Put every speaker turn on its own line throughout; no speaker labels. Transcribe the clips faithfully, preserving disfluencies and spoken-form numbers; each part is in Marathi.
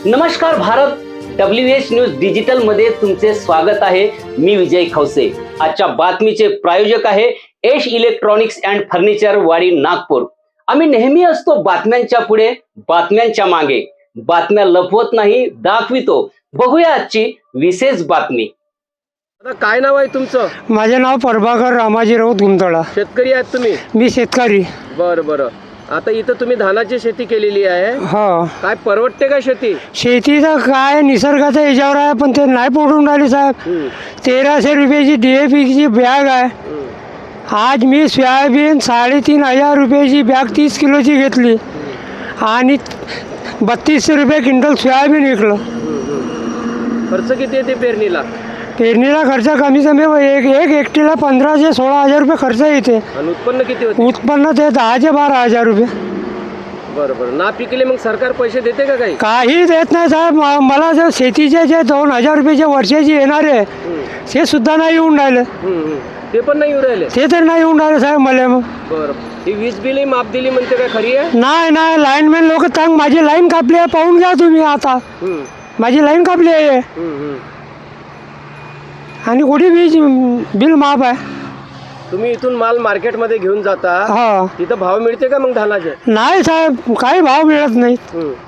नमस्कार Bharat, W H news digital मध्ये तुमचे स्वागत आहे। मी विजय खवसे। आजच्या बातमीचे प्रायोजक आहे एश इलेक्ट्रॉनिक्स अँड फर्निचर, वाडी, नागपूर। आम्ही नेहमी असतो बातम्यांच्या पुढे, बातम्यांच्या मागे। बातम्या लपवत नाही, दाखवितो। बघूया आजची विशेष बातमी।
आता काय नाव आहे तुमचं?
माझे नाव प्रभाकर रामाजी राऊत गुंतळा।
शेतकरी आहात तुम्ही?
मी शेतकरी।
बरं बरं। आता इथं तुम्ही धानाची शेती केलेली आहे।
हा, काय
परवडते का शेती?
शेतीचं काय निसर्गाच्या याच्यावर आहे, पण ते नाही पडून राहिले साहेब। तेराशे रुपयाची डी ए पीची बॅग आहे। आज मी सोयाबीन साडेतीन हजार रुपयाची बॅग तीस किलोची घेतली आणि बत्तीसशे रुपये क्विंटल सोयाबीन विकलं।
खर्च किती येते पेरणीला?
पेरणीला खर्च कमी कमी एक एक एकटीला पंधराशे सोळा हजार रुपये खर्च येते।
आणि उत्पन्न किती होते?
उत्पन्न ते दहाचे बारा हजार रुपये।
बरं बरं। ना पिकले मग सरकार पैसे देते का काही?
काही देत नाही साहेब। मला जे शेतीचे जे दोन हजार रुपयाचे वर्षाची येणारे ते सुद्धा नाही येऊन राहिले।
ते पण नाही येऊन राहिले? ते
तर नाही येऊन राहिले साहेब मला। मग
बरं, ही वीज बिल माफ दिली म्हणते काय, खरी आहे?
नाही नाही, लाईनमॅन लोक सांग माझी लाईन कापली आहे, पाहून घ्या तुम्ही। आता माझी लाईन कापली आहे आणि कुठे वीज बिल माफ आहे।
तुम्ही इथून माल मार्केटमध्ये घेऊन जाता,
हा,
तिथं भाव मिळते का मग धानाचे?
नाही साहेब, काही भाव मिळत नाही।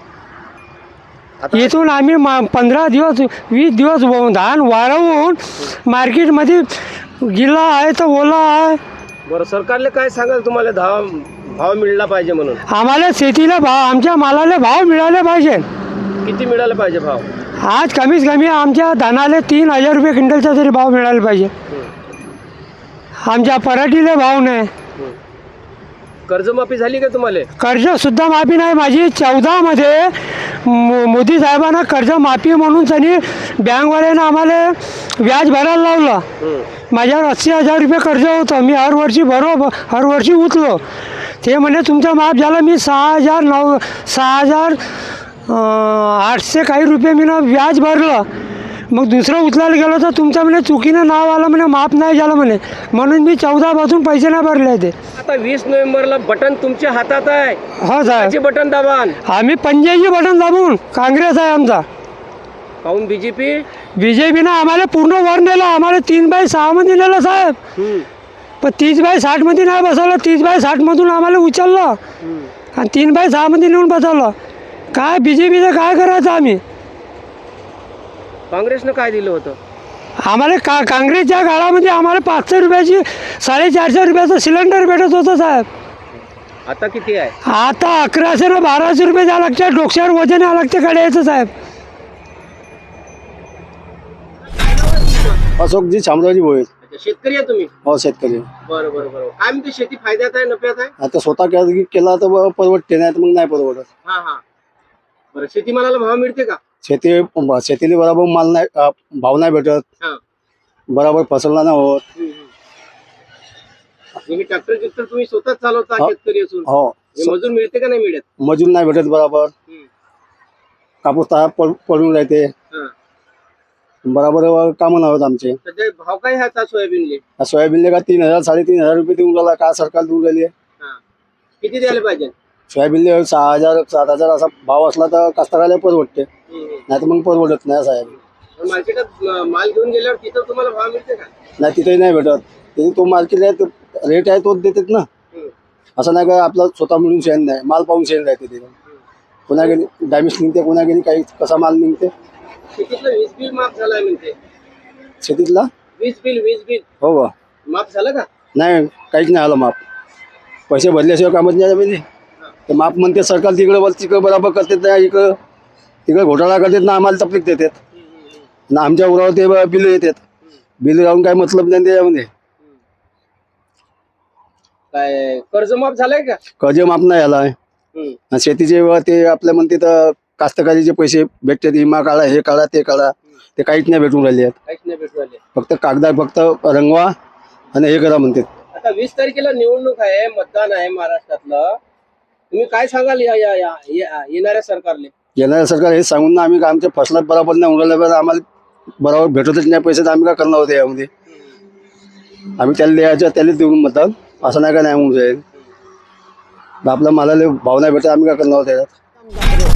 इथून आम्ही पंधरा दिवस वीस दिवस धान वाळवून मार्केटमध्ये गिला आहे तर ओला आहे।
बरं, सरकारले काय सांगाल तुम्हाला भाव भाव मिळला पाहिजे म्हणून?
आम्हाला शेतीला भाव, आमच्या मालाला भाव मिळाले पाहिजे।
किती मिळाला पाहिजे भाव?
आज कमीत कमी आमच्या धानाला तीन हजार रुपये क्विंटलचा तरी भाव मिळाला पाहिजे। आमच्या पराठीला भाव नाही।
कर्जमाफी झाली का तुम्हाला?
कर्ज सुद्धा माफी नाही माझी। चौदा मध्ये मोदी साहेबांना कर्ज माफी म्हणून त्यांनी बँकवाल्यानं आम्हाला व्याज भरायला लावलं। माझ्यावर अस्सी हजार रुपये कर्ज होतं, मी हरवर्षी भरो हरवर्षी उचलो। ते म्हणे तुमचा माफ झाला। मी सहा हजार नऊ सहा हजार आठशे काही रुपये मी ना व्याज भरलं। मग दुसरं उचलायला गेलो तर तुमचं म्हणे चुकीनं नाव आलं, म्हणे माफ नाही झालं म्हणे, म्हणून मी चौदा पासून पैसे नाही भरले ते।
आता वीस नोव्हेंबरला बटन तुमच्या हातात आहे।
हो साहेब,
बटन दाबान।
आम्ही पंजाबी बटन दाबून, काँग्रेस आहे आमचा।
काऊन बीजेपी?
बीजेपीनं आम्हाला पूर्ण वर नेलं। आम्हाला तीन बाय सहा मध्ये नेलं साहेब, पण तीस बाय साठ मध्ये नाही बसवलं। तीस बाय साठ मधून आम्हाला उचललं आणि तीन बाय सहा मध्ये नेऊन बसवलं। काय बीजेपीचं काय करायचं आम्ही?
काँग्रेसनं काय दिलं होतं
आम्हाला? का काँग्रेसच्या काळामध्ये आम्हाला पाचशे रुपयाची साडेचारशे रुपयाचं सिलेंडर भेटत होतं साहेब।
आता किती आहे?
आता अकराशे ना बाराशे रुपये द्या लागते। डोक्यावर वजन या लागते कडे यायचं साहेब।
अशोकजी शामरावजी भोये।
शेतकरी आहे तुम्ही?
हो, शेतकरी।
बरं बरं बरं। काय म्हणते, शेती फायद्यात आहे नफ्यात आहे?
आता स्वतः केला तर परवडते, नाही तर मग नाही परवडत।
हा हा। बरं, शेतीमालाला भाव मिळते का?
शेती शेतीला बरोबर माल नाही, भाव नाही भेटत, बरोबर फसलला नाही होत।
ट्रॅक्टर गिक्टर तुम्ही स्वतःच चालवता शेतकरी असून?
हो।
मजूर मिळते का नाही मिळत?
मजूर नाही भेटत बरोबर। कापूस तार पडून राहते, बरोबर कामं नाही होत आमचे।
भाव काय ह्याचा सोयाबीनले?
सोयाबीनले का तीन हजार साडेतीन हजार रुपये देऊन राहिला, काय सरकार देऊन राहिली आहे?
किती द्यायला पाहिजे?
सोयाबीनले सहा हजार सात हजार असा भाव असला तर कास्तकाराला परवडते, नाही तर मग परवडत नाही साहेब।
मार्केटात माल घेऊन गेल्यावर तिथं तुम्हाला भाव मिळते का?
नाही, तिथेही नाही भेटत। तिथे तो मार्केट आहे, रेट आहे तोच देतात ना। असं नाही का आपला स्वतः मिळून शेण नाही, माल पाहून शेण राहते तिथे। कोणा गेली डॅमेज निघते, कोणा गेली काही कसा माल निघते।
शेतीतलं वीज बिल माफ झालाय म्हणते?
शेतीतला
वीज बिल वीज बिल
हो का
माफ झालं का?
नाही, काहीच नाही आलं माफ। पैसे भरल्याशिवाय कामच नाही म्हणजे ते माफ म्हणते सरकार। तिकडे बोल तिकडे बरोबर करतात नाही, इकडं तिकडे घोटाळा करतात ना, आम्हाला तकलीफ देतात ना। आमच्या उरावर ते बिल येतात, बिल राहून काय मतलब नाही त्याच्यामध्ये।
काय कर्ज माफ झालंय का?
कर्ज माफ नाही झाला आहे। शेतीचे ते आपल्या म्हणते तर कास्तकारीचे पैसे भेटतात, विमा काढा, हे काढा, ते काढा, ते काहीच नाही भेटून राहिले आहेत।
काहीच नाही भेटून राहिले,
फक्त कागदात फक्त रंगवा आणि हे करा म्हणतात।
आता वीस तारखेला निवडणूक आहे, मतदान आहे महाराष्ट्रातलं, तुम्ही काय सांगाल या येणाऱ्या सरकारले?
येणाऱ्या सरकार हे सांगून ना आम्ही आमच्या फसलात बरोबर नाही उडाल्या, आम्हाला बरोबर भेटतच नाही पैसे, तर आम्ही काय करणार होते यामध्ये? आम्ही त्याला द्यायचं, त्याला देऊन मतदान, असं नाही का नाही म्हणून जाईल। आपल्या मालाला भाव नाही भेटत, आम्ही काय करणार होते?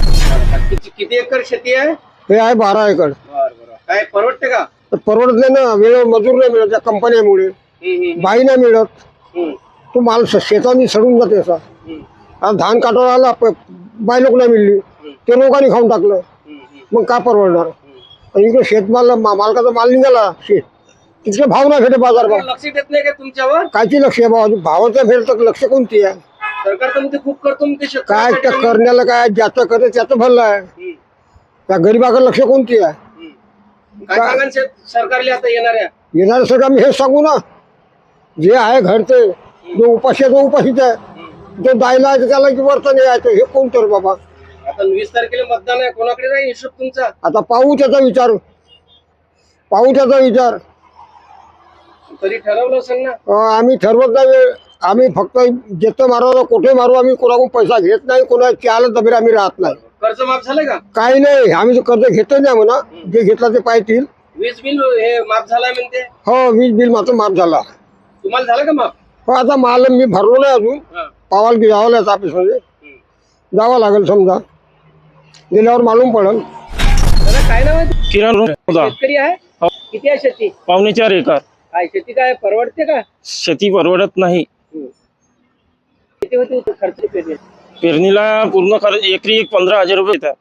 किती किती एकर शेती आहे?
हे आहे बारा एकर.
बर बर. काय परवडते का?
तर परवडत नाही ना, वेळ मजूर नाही मिळत त्या कंपन्यामुळे,
हम्म, हम्म,
बाई नाही मिळत,
हम्म,
तो माल श- शेतानी सडून जाते असा.
हम्म,
आता धान काटायला आला, प- बाई लोक नाही मिळली, ते लोकांनी खाऊन टाकलं,
हम्म, हम्म,
मग काय परवडणार. आणि इकडे शेतमाल मा- मालकाचा माल निघाला शेत, तिथे भाव नाही भेटे बाजार भाव.
लक्ष देत नाही का तुमच्यावर?
कायची लक्ष आहे भाव, भावाचं भेट तर लक्ष कोणती आहे.
सरकार तर म्हणते खूप करतो म्हणते
काय
शेतकऱ्यासाठी.
त्या करण्याला काय, ज्याचं करते त्याचं भरलं आहे,
हम्म,
त्या गरीबाकडे लक्ष कोणती आहे.
हम्म. काय सांगाल शेत- सरकारला आता येणाऱ्या?
येणार सगळं आम्ही हेच सांगू ना, जे आहे घडते, जो उपाशी आहे तो उपाशीच आहे, जो दायला आहे त्याला की वर्तन यायचं, हे कोण तर बाबा.
आता वीस तारखेला मतदान आहे, कोणाकडे राहील हिशोब तुमचा?
आता पाहू त्याचा विचार, पाहू त्याचा विचार.
तरी ठरवलं असेल ना?
अं, आम्ही ठरवत नाही, आम्ही फक्त जेथं मारू कुठे मारू, आम्ही कोणाकडून पैसा घेत नाही, कोणा चाल दबीर आम्ही राहत नाही.
कर्ज माफ झालं का?
काही नाही, आम्ही जो कर्ज घेतो नाही म्हणा, जे घेतलं ते पाहतील.
वीज बिल हे माफ झालंय म्हणते.
हो, वीज बिल मात्र माफ झाला.
तुम्हाला झालं का माफ?
हो, आता माल मी भरलो नाही अजून,
हा.
पावाल की जावं लागतं ऑफिसमध्ये,
हम्म.
जावं लागेल समजा, गेल्यावर मालूम पडेल.
दादा काय नाव आहे?
किरण होता
शेतकरी आहे? किती आहे शेती?
पावणे चार एकर.
काय शेती काय परवडते का?
शेती परवडत नाही.
हम्म. किती होती होती खर्च पेरणी?
पेरणीला पूर्ण खर्च एकरी एक पंधरा हजार रुपये येतात.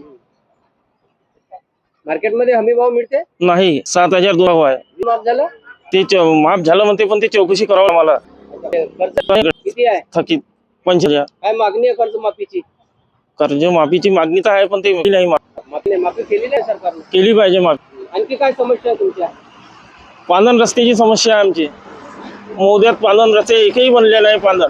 मार्केटमध्ये हमी भाव मिळते?
नाही, सात हजार दोन भाव आहे.
माफ झालं?
ते च- माफ झालं म्हणते, पण ते चौकशी करावं मला.
कर्ज किती आहे?
थकीत पंच हजार.
काय मागणी आहे कर्ज माफीची?
कर्ज माफीची मागणी तर आहे, पण ते नाही मा-
माफी माफी केली नाही सरकारने.
केली पाहिजे माफी.
आणखी काय समस्या आहे तुमच्या?
पांधन रस्त्याची समस्या आहे आमची. मोद्यात पांधन रस्ते एकही बनले नाही. पांधन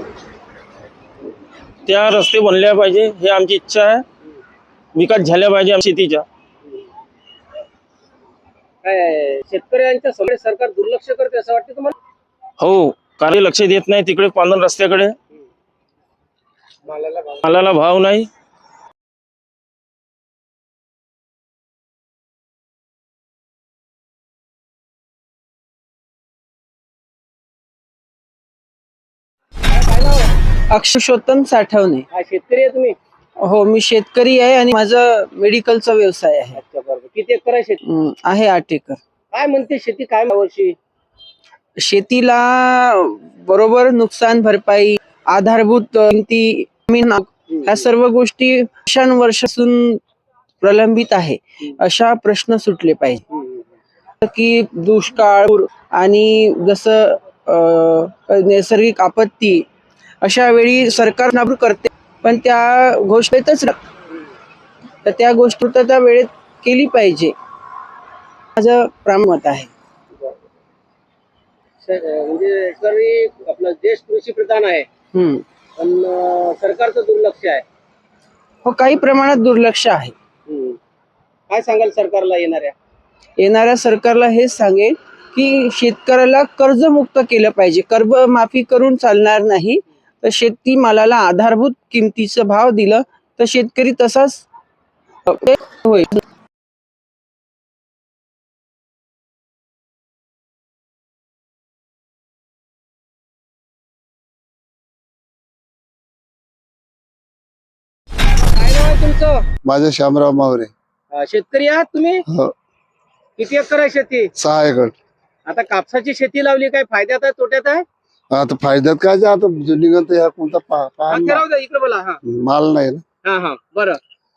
त्या रस्ते बनल्या पाहिजे, हे आमची इच्छा आहे. विकास झाल्या पाहिजे आमच्या शेतीच्या.
काय शेतकऱ्यांच्या समोर सरकार दुर्लक्ष करते असं वाटतं तुम्हाला?
हो, कार्य लक्ष देत नाही तिकडे पांधन रस्त्याकडे.
मालाला भाव
मालाला भाव नाही.
काय नाव आहे?
अक्षुषोत्तम साठवणे.
काय शेतकरी आहे तुम्ही?
हो, मी शेतकरी आहे आणि माझा मेडिकलचा व्यवसाय आहे.
अच्छा बरोबर. किती एकर आहे शेती?
हम्म, आहे आठ एकर.
काय म्हणते शेती काय वर्षी?
शेतीला बरोबर नुकसान भरपाई, आधारभूत किमती, जमीन, ह्या सर्व गोष्टी वर्षानुवर्षापासून प्रलंबित आहे. अशा प्रश्न सुटले पाहिजे की दुष्काळ पूर आणि जसं अं, नैसर्गिक आपत्ती अशा वेळी सरकार नाबूद करते, पण त्या घोषणेतच राहते. तर त्या गोष्टी तर त्या वेळेत केली पाहिजे, माझं प्रामत आहे.
स- म्हणजे सगळी आपला देश कृषी प्रधान आहे,
हम्म.
पण अं, सरकारचं दुर्लक्ष आहे.
हो, काही प्रमाणात दुर्लक्ष आहे.
हम्म. काय सांगाल सरकारला येणाऱ्या?
येणाऱ्या सरकारला हेच सांगेल की शेतकऱ्याला कर्जमुक्त केलं पाहिजे. कर्ज माफी करून चालणार नाही. तर शेती मालाला आधारभूत किमतीचं भाव दिलं तर शेतकरी तसाच होईल.
काय नाव आहे तुमचं?
माझे श्यामराव मावरे.
अं, शेतकरी आहात तुम्ही?
हो.
किती एकर आहे शेती?
सहा एकर.
आता कापसाची शेती लावली, काय फायद्यात आहे तोट्यात आहे?
आता फायद्यात काय जे आता निघत ह्या कोणता पा-
हा,
पा-
ते राहू द्या, इकडे बोला. हा
माल नाही ना.
हा हा बरं.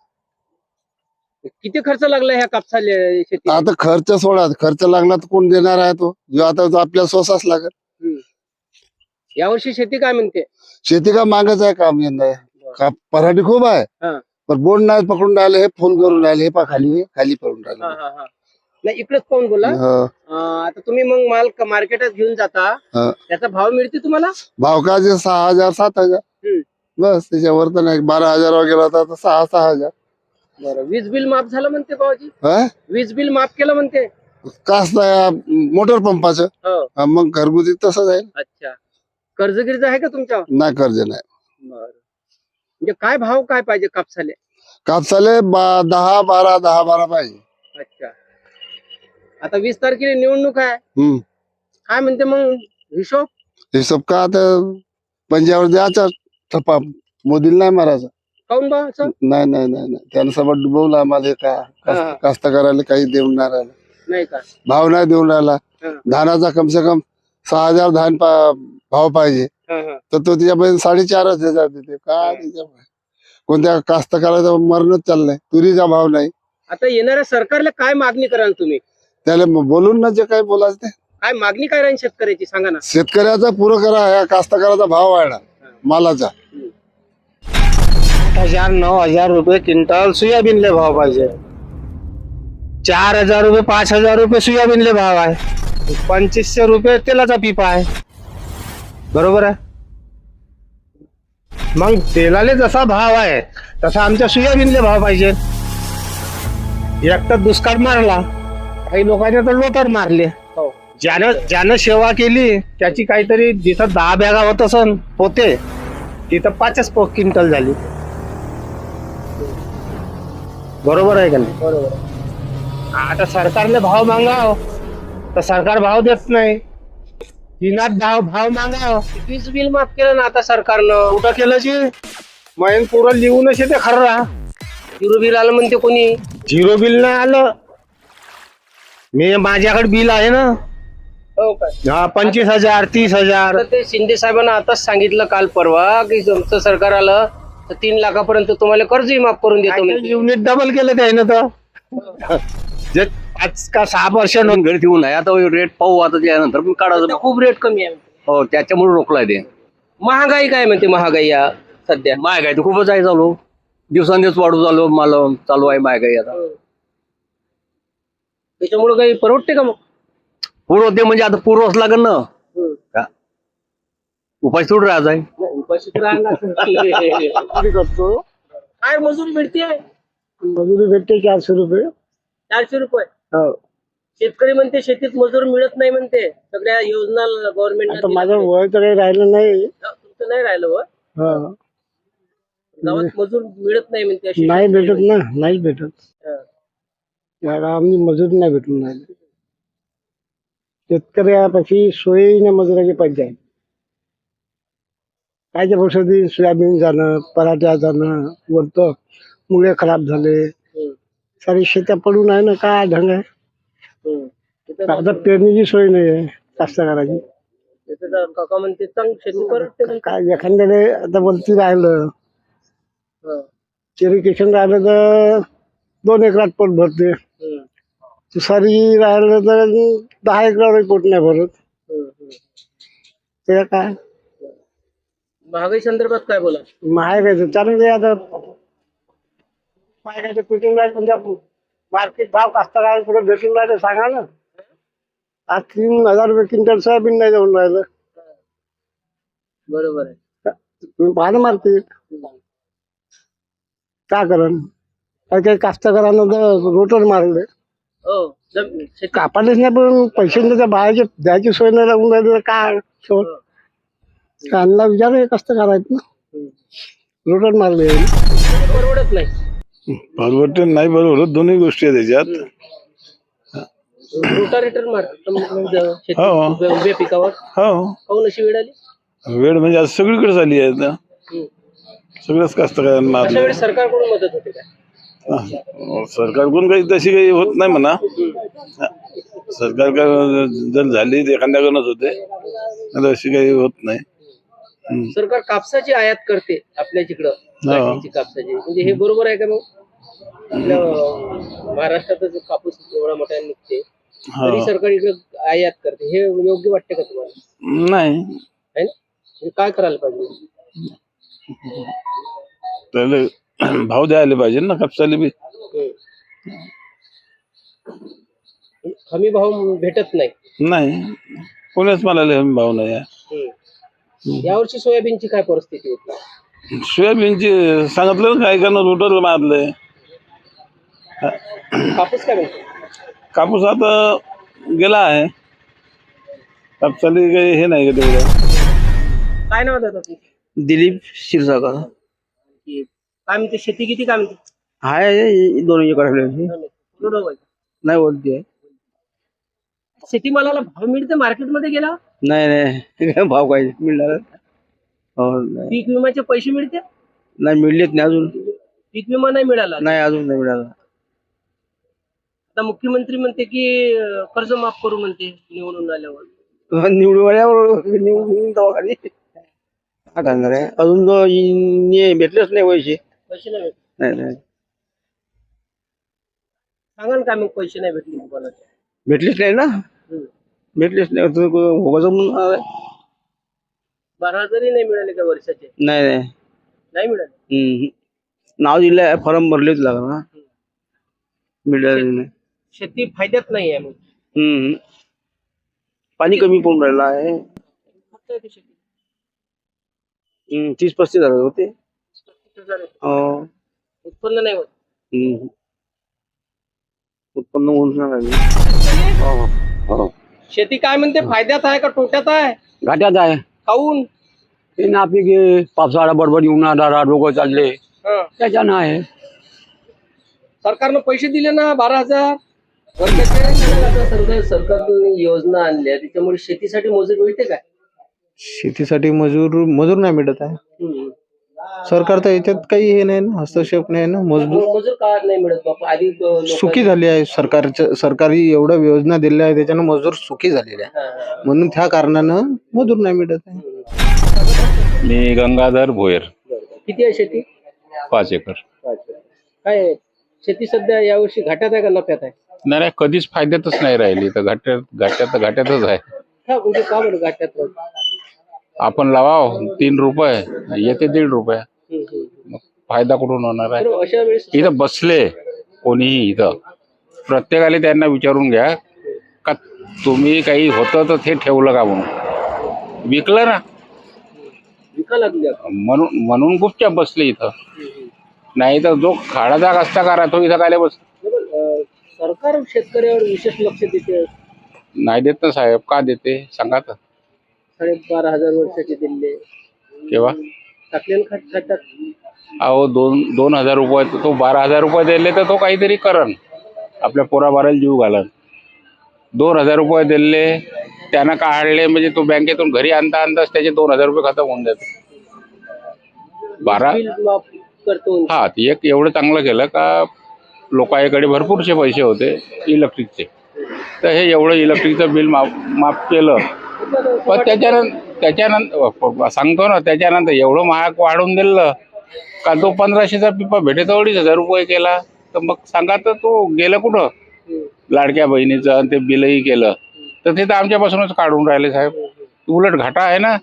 किती खर्च लागला ह्या कापसाला शेती?
आता खर्च सोडा, खर्च लागला तर कोण देणार आहे तो, जो आता तो आपल्याला स्वसाच लागेल.
यावर्षी शेती काय म्हणते?
शेती का मागच आहे काम यंदा. का पराठी खूप आहे,
हा.
पण बोर्ड नाही पकडून राहिले, हे फोन करून राहिले, हे पा खाली खाली पडून
हा
राहिले.
हा हा नाही, इकडेच पाहून बोला.
हो.
अं, आता तुम्ही मग माल क- मार्केटात घेऊन जाता,
हा.
त्याचा भाव मिळते तुम्हाला?
भाव का जे सहा हजार सात हजार
हम्म.
बस, त्याच्यावर तर नाही. बारा हजार वगैरे होता तर सहा सहा हजार.
बरं. वीज बिल माफ झालं म्हणते भाऊजी?
हा?
वीज बिल माफ केलं म्हणते?
कास नाही मोटर पंपाचं.
हो.
हा, मग घरगुती तसंच आहे.
अच्छा. कर्ज गिर्ज आहे का तुमच्यावर?
नाही कर्ज नाही.
बरं. म्हणजे काय भाव काय पाहिजे कापसाले?
कापसाले बा दहा बारा दहा बारा पाहिजे.
अच्छा. आता वीस तारखेला निवडणूक आहे,
हम्म.
काय म्हणते मग हिशोब?
हिशोब का आता पंजावर द्यायचा ठप्पा, मोदीला नाही मारायचा.
काऊन बा असं?
नाही नाही नाही नाही त्यानं सगळं डुबवलं आम्हाला हे का कास्त-
हा.
कास्तकाराला काही देऊन नाही राहिला,
नाही का?
भाव नाही देऊन राहिला.
हा.
धानाचा कम से कम सहा हजार धान पा- भाव पाहिजे,
हा, हा.
तर तो त्याच्यापर्यंत साडेचारच हजार देते. काय त्याच्यामुळे कोणत्या कास्तकाराचं मरणच चाललंय. तुरीचा भाव नाही.
आता येणाऱ्या सरकारला काय मागणी कराल तुम्ही?
त्याला म- बोलून ना जे काही बोलायचं ते.
काय मागणी काय राहील शेतकऱ्याची सांगा ना.
शेतकऱ्याचा पुरं करा, या कास्तकाराचा भाव वाढला मालाचा.
आठ हजार नऊ हजार रुपये क्विंटल सोयाबीनले भाव पाहिजे. चार हजार रुपये पाच हजार रुपये सोयाबीनले भाव आहे. पंचवीसशे रुपये तेलाचा पिपा आहे. बरोबर आहे. मग तेलाले जसा भाव आहे तसा आमच्या सोयाबीनले भाव पाहिजे. एक तर दुष्काळ मारला, काही लोकांनी तर लोटर मारले.
हो.
ज्यानं ज्यानं सेवा केली त्याची काहीतरी जिथं दहा बॅगा होत असन पोते, तिथं पाचच पो क्विंटल झाली. बरोबर आहे का नाही?
बरोबर.
आता सरकारने भाव मागाव तर सरकार भाव देत नाही. तिनात भाव भाव मागाव
वीज बिल माफ केलं ना आता सरकारनं.
कुठं केलं जी मैन पुरं लिहूनच येते खरं.
झिरो बिल आलं म्हणते कोणी.
झिरो बिल नाही आलं. मी माझ्याकडे बिल आहे ना.
हो काय?
हा पंचवीस हजार तीस हजार
आता ते शिंदे साहेबांना आताच सांगितलं काल परवा की तुमचं सरकार आलं तर तीन लाखापर्यंत तुम्हाला कर्जही माफ करून देतो म्हणते.
युनिट डबल केलं त्यानं तर. जे पाच का सहा वर्ष
घरी ठेवून आहे. आता रेट पाहू आता त्यानंतर पण काढायचं.
आता खूप रेट कमी आहे.
हो त्याच्यामुळे रोखलाय ते.
महागाई काय म्हणते महागाई या सध्या?
महागाई तर खूपच आहे चालू. दिवसांदिवस वाढू चालू मला चालू आहे महागाई आता.
त्याच्यामुळे काही परवडते का मग?
पूर्व ते म्हणजे आता पूर्वच लागेल ना. का? उपाय सोडून राहायचा आहे.
उपाशी तर राहणार.
करतो.
काय मजुरी मिळते?
मजुरी भेटते चारशे रुपये.
चारशे रुपये.
हो.
शेतकरी म्हणते शेतीत मजूर मिळत नाही म्हणते. सगळ्या योजना
आता
गव्हर्नमेंट
माझं वय तर काही राहिलं नाही.
तुमचं नाही राहिलं व
हा.
गावात मजूर मिळत नाही म्हणते अशी.
नाही भेटत ना, नाही भेटत.
हा.
या गावामध्ये मजूर नाही भेटून राहिले. शेतकऱ्यापाशी सोयीने मजुराची पंचायत. कायच्या वर्षातील सोयाबीन जाणं, पराठ्या जाणं, वरतं मुळे खराब झाले.
हम्म.
सारी शेत्या पडून आहे ना. काय ढंग आहे.
हम्म. तिथं
आता पेरणीची सोय नाही आहे कास्तकाराची.
तिथं तर काका म्हणते चांग शेती परवडते म्हणते.
काय एखाद्याने आता वरती राहिलं,
हा.
इरिगेशन राहिलं तर दोन एकरात पोट भरते.
हम्म.
तुषारी राहिलं तर दहा एकरावर पोट नाही भरत.
हम्म. हम्म.
ते काय
महागाई संदर्भात काय बोला?
महागायचं चालू दे आता. महागायचं पिटिंग राहील म्हणजे मार्केट भाव कास्तकार कुठे भेटून राहिले सांगा ना. आज तीन हजार रुपये क्विंटल सोयाबीन नाही जाऊन राहिलं.
बरोबर आहे.
तुम्ही पाहा ना मार्केट का करण. काही काही कास्तकारांना तर रोटर मारले.
हो. जम- शेती
कापायलाच नाही पण पैसे त्याच्या बाहेरचे द्यायची सोय नाही लागून राहिली तर काय शेवट. त्यांना विचार कास्तकार आहेत ना. रोटर मारले.
परवडत नाही.
परवडते नाही परवडत दोन्ही गोष्टी आहेत त्याच्यात.
रोटारेटर मारतात
हो.
शेती उभ्या पिकावर.
हो
काऊन अशी वेळ आली?
वेळ म्हणजे आज सगळीकडे झाली आहे आता.
हम्म.
सगळंच कास्तकारांना
अशा
मारलं.
वेळेस सरकारकडून मदत होते काय?
हा. सरकारकडून काही तशी काही होत नाही म्हणा. सरकार का- जर झाली तर एखाद्याकडूनच होते, आता अशी काही होत नाही. हम्म.
सरकार कापसाची आयात करते आपल्या तिकडं. गाठीची कापसाची म्हणजे हे बरोबर आहे का मग? आपल्या अं, महाराष्ट्रातच कापूस एवढा मोठा निघते तरी
हा.
सरकार इकडे आयात करते. हे योग्य वाटते का तुम्हाला?
नाही
आहे ना? हे काय करायला पाहिजे?
त्याला भाव द्यायला पाहिजे ना कापसाला बी.
हम्म. हमी भाव भेटत नाही.
नाही कोणाच मला भाव नाही आहे.
हम्म. यावर्षी सोयाबीनची काय परिस्थिती होती?
सोयाबीनची सांगितलं ना काय करणं रोटर मारलंय.
कापूस काय म्हणतो?
कापूस आता गेला आहे. कापसाला काही हे नाही का तेवढं.
काय नाव देतात तुम्ही?
दिलीप क्षीरसागर
काय म्हणते शेती किती काय म्हणते?
आहे दोन एकर
बरोबर आहे.
नाही बोलते.
शेतीमालाला भाव मिळते मार्केटमध्ये गेला?
नाही नाही भाव काय मिळणार. हो नाही.
पीक विम्याचे पैसे मिळते?
नाही मिळलेत नाही अजून.
पीक विमा नाही मिळाला.
नाही अजून नाही मिळाला.
आता मुख्यमंत्री म्हणते की अं, कर्ज माफ करू म्हणते निवडून आल्यावर.
निवडून आल्यावर निवडून दवाखाने काय करणार आहे. अजून तो इ- भेटलेच नाही पैसे.
पैसे नाही भेटले.
नाही नाही
सांगा ना काय मग पैसे नाही भेटले तुम्हाला.
भेटलेच नाही ना.
हम्म.
भेटलेच नाही. तो भोगाचं म्हणून आलाय.
बारा हजारही नाही मिळाले का वर्षाचे.
नाही नाही
नाही मिळाले.
हम्म. नाव दिलंय फॉर्म भरलेच लागला. मिळाले नाही.
शेती फायद्यात नाही आहे मग.
हम्म. पाणी कमी पडून राहिलं आहे.
फक्त आहे ती शेती.
हम्म. तीस पस्तीस हजार होते.
पस्तीस हजार आहे.
हो.
उत्पन्न नाही होत.
हम्म. उत्पन्न होऊन सांगा. हो हो
शेती काय म्हणते फायद्यात आहे का तोट्यात आहे.
घाट्यात आहे.
खाऊन
हे नापीक पावसाळा बडबड उन्हाळा रोग चालले
हं.
त्याच्यानं आहे.
सरकारनं पैसे दिले ना बारा हजार वर्षाचे. सरकार सरकारने योजना आणल्या त्याच्यामुळे शेतीसाठी मजूर मिळते काय.
शेतीसाठी मजूर मजूर नाही मिळत आहे.
हम्म.
सरकार तर याच्यात काही हे नाही ना. हस्तक्षेप नाही ना. मजदूर
मजूर का नाही मिळत बापा. आधी अं, लोकांना-
सुखी झाली आहे. सरकारच्या सरकारी एवढ्या योजना दिल्या आहे त्याच्यानं मजूर सुखी झालेले आहे.
हा, हा.
म्हणून त्या कारणानं मजूर नाही मिळत आहे.
मी गंगाधर भोयर,
किती आहे शेती.
पाच एकर.
काय आहे? शेती सध्या यावर्षी घाट्यात आहे का नफ्यात आहे.
नाही नाही, कधीच फायद्यातच नाही राहिली. तर घाट्यात घाट्यात घाट्यातच आहे.
का म्हणजे का बरं घाट्यात राहत?
आपण लावाव तीन रुपये येते दीड रुपये.
हम्म, हम्म.
मग फायदा कुठून होणार आहे.
तर अशा वेळेस
इथं बसले कोणीही इथं प्रत्येकाला त्यांना विचारून घ्या का तुम्ही काही होतं तर ते ठेवलं का म्हणून. विकलं ना
विका लागली आता.
म्हणून म्हणून गुपचाप बसले इथं. नाही तर जो खाडाचा कष्टा करा तो इथं काय बस.
अं, सरकार शेतकऱ्यावर विशेष लक्ष देते.
नाही देत ना साहेब. का देते सांगा तर.
साडे बारा हजार वर्षाचे दिले
केव्हा
टाकले ना खात खात्यात.
अहो दोन दोन हजार रुपये तो बारा हजार रुपये दिले तर तो काहीतरी करन आपल्या पोराबाराला जीव घालन. दोन हजार रुपये दिले त्यानं काढले म्हणजे तो बँकेतून घरी आणता आणताच त्याचे दोन हजार रुपये खतम होऊन जाते. बारा
बिल माफ करतो.
हा एक एवढं चांगलं केलं का लोकांकडे भरपूरचे पैसे होते इलेक्ट्रिकचे. तर हे एवढं इलेक्ट्रिकचं बिल माफ माफ केलं. पण त्याच्यानंतर त्याच्यानंतर सांगतो ना त्याच्यानंतर एवढं महाग वाढवून दिलं का तो पंधराशेचा पिपा भेटे तर अडीच हजार रुपये केला. तर मग सांगा तर तो गेलं कुठं. लाडक्या बहिणीचं आणि ते बिलही केलं तर ते तर आमच्यापासूनच काढून राहिले साहेब. उलट घाटा आहे ना.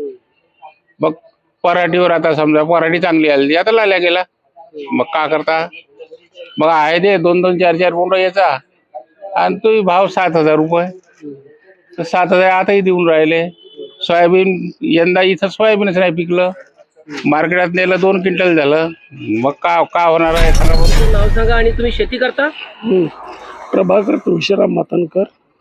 मग पराठीवर आता समजा पराठी चांगली आली आता लाल्या गेला. मग का करता. मग आहे ते दोन दोन चार चार पोंड याचा आणि तोही भाव सात हजार रुपये. तर सात हजार आताही देऊन राहिले. सोयाबीन यंदा इथं सोयाबीनच नाही पिकलं. मार्केटात नेलं दोन क्विंटल झालं. मग का का होणार आहे सांगा बरं.
तुमचं नाव सांगा आणि तुम्ही शेती करता.
प्रभाकर तुळशीराम मातनकर,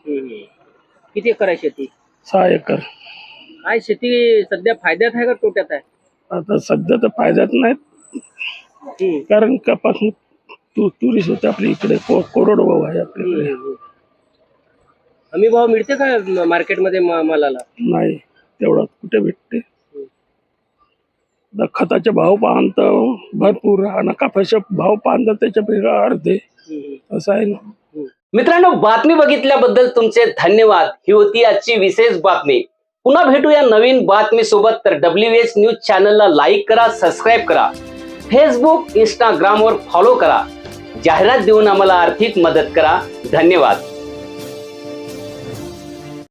किती एकर आहे शेती.
सहा एकर.
काय शेती सध्या फायद्यात आहे का तोट्यात आहे.
आता सध्या तर फायद्यात नाहीत कारण कपास तू तुरीस होते आपल्या इकडे को- कोरडवाहू आहे आपल्याकडे.
हमी भाव मिळते का मार्केटमध्ये मा- मालाला.
नाही तेवढा कुठे भेटते. आता खताचे भाव पाहन तर भरपूर आणि कापसाचे भाव पाहन तर त्याच्यापेक्षा अर्धे असं आहे ना.
मित्रांनो, बातमी बघितल्याबद्दल तुमचे धन्यवाद. ही होती आजची विशेष बातमी. पुन्हा भेटूया नवीन बातमी सोबत. तर डब्ल्यू एच न्यूज चॅनलला लाईक करा, सबस्क्राईब करा, फेसबुक इंस्टाग्रामवर फॉलो करा, जाहिरात देऊन आम्हाला आर्थिक मदत करा. धन्यवाद.